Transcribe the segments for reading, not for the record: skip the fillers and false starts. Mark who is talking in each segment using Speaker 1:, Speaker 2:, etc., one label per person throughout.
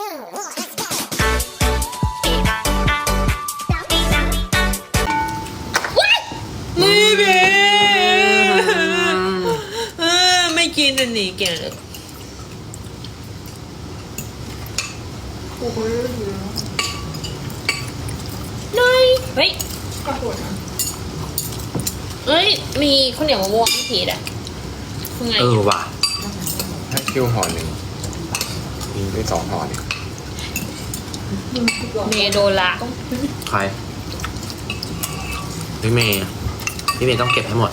Speaker 1: ไม่เบ้ไม่กินอันนี้แกเลยน้อยเฮ้ยเฮ้ยมีข้าวเหนียวมะม่วงพี่พีดอะคือไง
Speaker 2: ว่ะให้คิวห่อหนึ่งมีไป2ห่อเนี่ย
Speaker 1: เมย์โดนละ
Speaker 2: ใครพี่เมย์ต้องเก็บให้หมด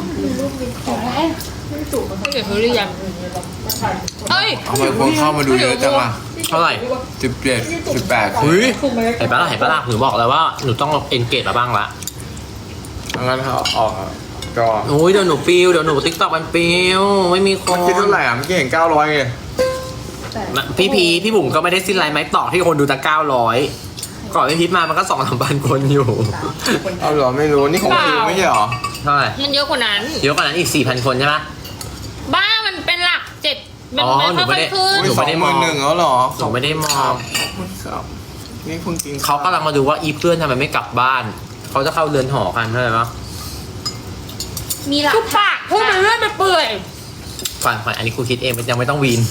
Speaker 1: ไม่เก็บเขาหรือยังเอ้ย
Speaker 2: ทำไมคนเข้ามาดูเยอะจังอ่ะเท่าไหร่17 18เฮ้ยเห็นปะล่ะหนูบอกแล้วว่าหนูต้องเอนเกจมาบ้างละงั้นเขาออกจอโอ้ยเดี๋ยวหนูปิวเดี๋ยวหนูติ๊กต็อกมันปิวไม่มีคนคิดเท่าไหร่อ่ะเมื่อกี้เห็น900ไงพี่บุ๋มก็ไม่ได้สิ้นไรไม้ต่อที่คนดูแต่900ก่อนพี่พิษมามันก็2-3 พันคนอยู่เอาเหรอไม่รู้นี่ของคิวไม่ใช่เหรอเท่าไหร่
Speaker 1: มันเยอะกว่านั้น
Speaker 2: เยอะกว่านั้นอีก 4,000 คนใช่ไหม
Speaker 1: บ้ามันเป็นหลัก7เป็นค่อยๆขึ้น
Speaker 2: หนูไม่ได้มอง1แล้วหรอหนูไม่ได้มองครับนี่คุณกินเขากำลังมาดูว่าอีเพื่อนทำไมไม่กลับบ้านเขาจะเข้าเรือนหอกันใช่ไหม
Speaker 1: มีหลักทุกปากพูดไปเรื่อยไปเปื่อย
Speaker 2: ฝันอันนี้ครูคิดเองมันยังไม่ต้องวีน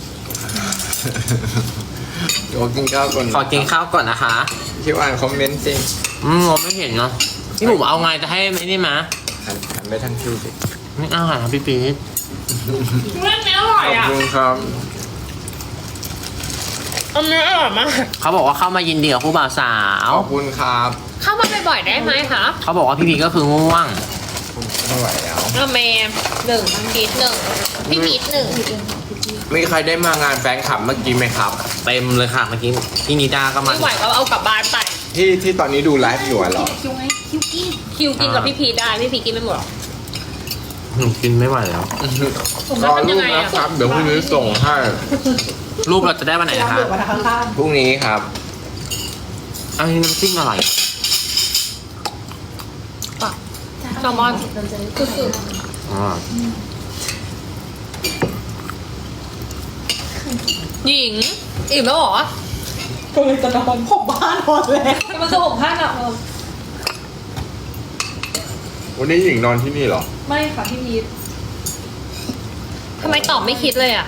Speaker 2: เดี๋ยวกินข้าวก่อนขอกินข้าวก่อนนะคะที่อ่านคอมเมนต์สิผมไม่เห็นเนาะพี่บุ๋มเอาไงจะให้ไม่ได้มาหันไปทางคิวสิไม่เอาหาพี่ปี๊ด
Speaker 1: เรื่องนี้อร่อยอ่ะ
Speaker 2: ขอบคุณครับ
Speaker 1: อันนี้อร่อยมาก
Speaker 2: เขาบอกว่าเข้ามายินดีกับคู่บ่าวสาวขอบคุณครับ
Speaker 1: เข้ามาบ่อยๆได้ไหมคะ
Speaker 2: เขาบอกว่าพี่พีก็คือง่วงไม่ไหวแล้ว
Speaker 1: เมย์1พีท1พี่พีท1
Speaker 2: มีใครได้มางานแฟนคลับเมื่อกี้ไหมครับเต็มเลยค่ะเมื่อกี้พี่นิดาก็มา
Speaker 1: ไม่ไหวก็เอากลับบ้านไป
Speaker 2: ที่ตอนนี้ดูไลฟ์อยู่เหรอ
Speaker 1: คิวกินกับพี่พีทได้พี่พีทกินไม่หมดหรอก
Speaker 2: หนูกินไม่ไหวแล้ว
Speaker 1: รอรูปนะครับ
Speaker 2: เดี๋ยวพรุ่งนี้ส่งให้รูปเราจะได้วันไหนนะครับพรุ่งนี้ครับอันนี้น้ำจิ้มอะไร
Speaker 1: แซลมอน
Speaker 2: อ๋อ
Speaker 1: หญิงอิ่มแล้วเหรอ
Speaker 3: ก็เลยจะนอนผมบ้านนอนแล้ว
Speaker 1: มันจะห่มผ้าหนัก
Speaker 2: วันนี้หญิงนอนที่นี่เหรอ
Speaker 3: ไม่ค่ะพี่พีท
Speaker 1: ทำไมตอบไม่คิดเลยอ่ะ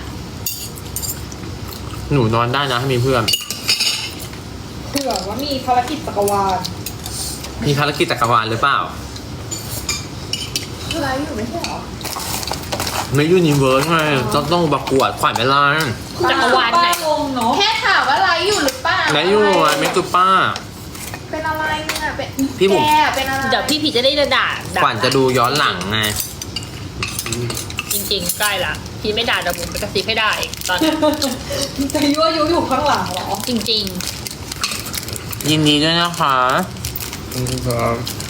Speaker 2: หนูนอนได้นะถ้ามีเพื่อน
Speaker 3: เผื่อว่ามีภารกิจจักรวาล
Speaker 2: มีภารกิจจักรวาลหรือเปล่า
Speaker 3: อะไรอยู่ไม่ใช่หรอ
Speaker 2: ไม่ยูนิเวิร์สไงต้องประกวดขวัญเวลา
Speaker 1: จักรวาลไหน
Speaker 3: งงเนาะ
Speaker 4: แค่ถามว่าไลฟ์อยู่หรือเปล่า
Speaker 2: ไหนอยู่อ่ะเมตุป้า
Speaker 4: เป็นอะไรเนี่ยเป็น
Speaker 2: พี่บุ๋ม
Speaker 4: แกเป็นอะไร
Speaker 1: เดี๋ยวพี่พีทจะได้ด่า
Speaker 2: ขวัญจะดูย้อนหลังไง
Speaker 1: จริงๆใกล้ละพี่ไม่ด่าแต่ผมไปกระซิบให้ได้อีกตอนนี้
Speaker 3: จะยั่วยุอยู่ข้างหลังเหรอ
Speaker 1: จริง
Speaker 2: ยินดีด้วยนะคะ
Speaker 5: ครับ